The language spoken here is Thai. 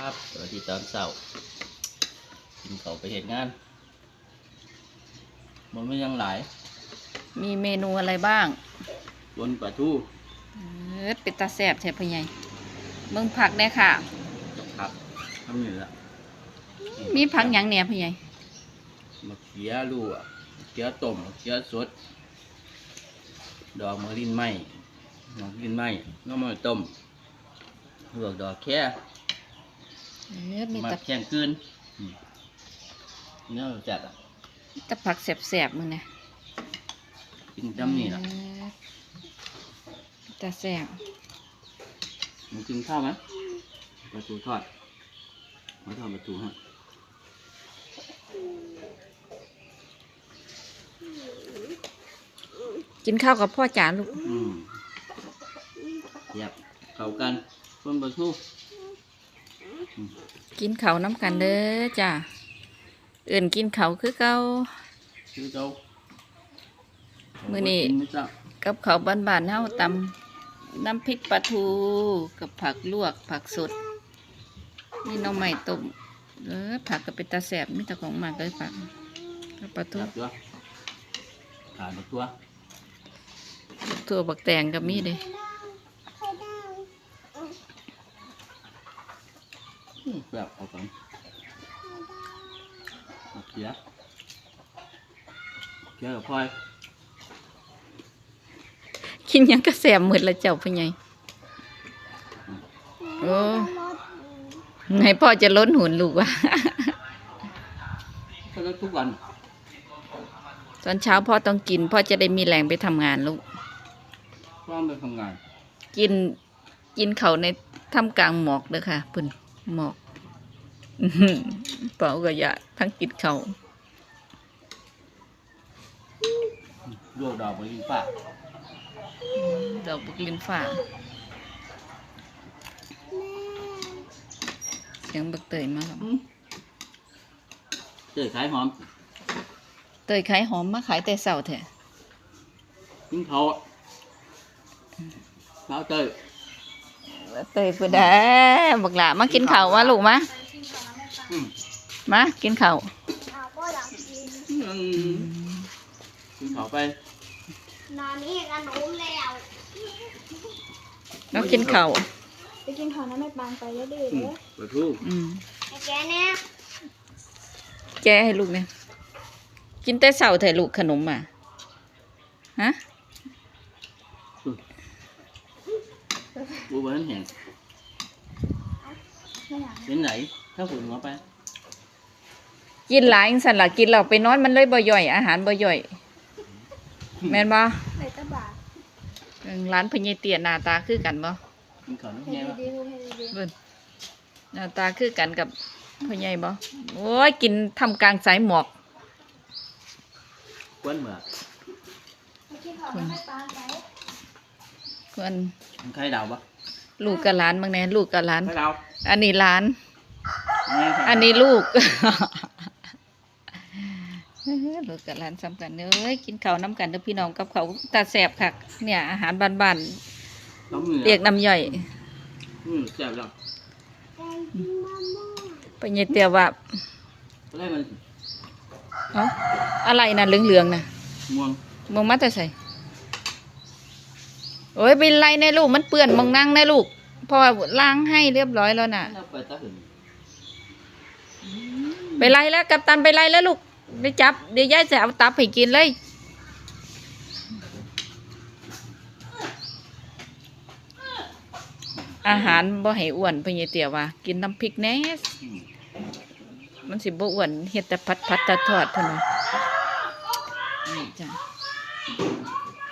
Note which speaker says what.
Speaker 1: บสวัสดีตอนเช้ากินข้าวไปเห็นงานมันไม่ยังหลาย
Speaker 2: มีเมนูอะไรบ้าง
Speaker 1: บนปลาทู
Speaker 2: เป็นตาแซ่บใช่พ่อใหญ่เบิ่งผักได้ค่ะ
Speaker 1: ครับทำอยู่ละ
Speaker 2: มีผักหยังเนี่ยพ่อใหญ่
Speaker 1: มะเขือลูกมะเขือต้มมะเขือสดดอกมะลินไหมดอกมะลินไหมน้ำมันต้มลวกดอกแค่
Speaker 2: มี
Speaker 1: มา
Speaker 2: แต่
Speaker 1: แข่งคืนเนื้อจัดอ่ะ
Speaker 2: แต่ผักแซ่บๆมึงนะ
Speaker 1: กินจำนี่ล่ะ
Speaker 2: ตาแซ่บ
Speaker 1: มึงกินข้าวไหมปลาทูทอดมาทอดปลาทูฮะ
Speaker 2: กินข้าวกับพ่อจ๋าลูก
Speaker 1: เยียบเข้ากันคนปลาทู
Speaker 2: กินข้าวน้ำกันเด้อจ้าอื่นกินข้าวคือเก่ามื้อนี้กับข้าวบ้านๆเฮาตำน้ำพริกปลาทูกับผักลวกผักสดนี่น้องใหม่ต้มผักก็เป็นตาแซ่บมีแต่ของมากเลยผักกับปลาทู
Speaker 1: ขาดตัว
Speaker 2: ถั่วบักแตงกับมีเด้
Speaker 1: แบบเอากันเขียกับพลอย
Speaker 2: กินยังก็แสบหมดละเจ้าพ่อใหญ่โอ้ไงพ่อจะล้นหุ่นลูกวะ
Speaker 1: ก็ลดทุกวัน
Speaker 2: ตอนเช้าพ่อต้องกินพ่อจะได้มีแรงไปทำงานลูก
Speaker 1: พ่อไปทำงาน
Speaker 2: กินเขาในท่ามกลางหมอกเด้อค่ะปุ่นหมอกเปล่าก็อย่าทั้งกินเขา
Speaker 1: ลวกดอกมะลิฟ้า
Speaker 2: ดอกบุกลินฟ้าเสียงบักเตยมาครับ
Speaker 1: เตยขายหอม
Speaker 2: เตยขายหอมมาขายแต่เสาร์แท้
Speaker 1: กินเขาเตย
Speaker 2: เพื่อได้บักหลามากินข้าวมาลูกมากินข้าว
Speaker 1: กินเขาไป
Speaker 3: นอนนี่กันหนูแล้ว
Speaker 2: แล้วกินข้าว
Speaker 3: ไปกินข้าวน้ำไม่ปานไปเรื่อยๆเลย
Speaker 1: ปลาทู
Speaker 3: ไอ้แกเนี่ย
Speaker 2: แกให้ลูกเนี่ยกินแต่เสาร์แท้ลูกขนมอ่ะฮะ
Speaker 1: บัวมันแห้งเป็นไหนถ้าฝุ่นหัวไป
Speaker 2: กินหลายสั่นละกินเราไปนอนมันเลยบ่ย่อยอาหารบ่ย่อยแม่นบ่
Speaker 3: ไหนตะบา
Speaker 2: ร้านพญเตียหน้าตาคือกันบ่
Speaker 1: กินข้าวน้ำแห้ง
Speaker 2: เบิ่นหน้าตาคือกันกับพญบ่โอ้ยกินทำกลางสายหมอก
Speaker 1: กวนเหมือก
Speaker 2: คน
Speaker 1: ใครดาวปะ
Speaker 2: ลูกกับหลานบางแน่ลูกกับหลานอันนี้หลานอันนี้ลูกลูกกับหลานซ้ำกันเอ้ยกินข้าวน้ำกันเด้อพี่น้องกับเขาตาแสบค่ะเนี่ยอาหารบ้านๆเรียกน้ำย่อย
Speaker 1: แสบแล้ว
Speaker 2: ไปเยเตียว่าอะไรน่ะเหลืองๆน่ะม่วงมัดจะใส่โอ้ยเป็นไรในลูกมันเปื้อนมองนั่งในลูกพอล้างให้เรียบร้อยแล้วน่ะไปไล่แล้วกัปตันไปไล่แล้วลูกไปจับเดี๋ยวยายจะเอาตับให้กินเลยอาหารบ่ให้อ้วนพญเตี๋ยว่ากินน้ำพริกแน่มันสิบ่อ้วนเฮ็ดแต่พัดทอดเท่านั้นจ้ะ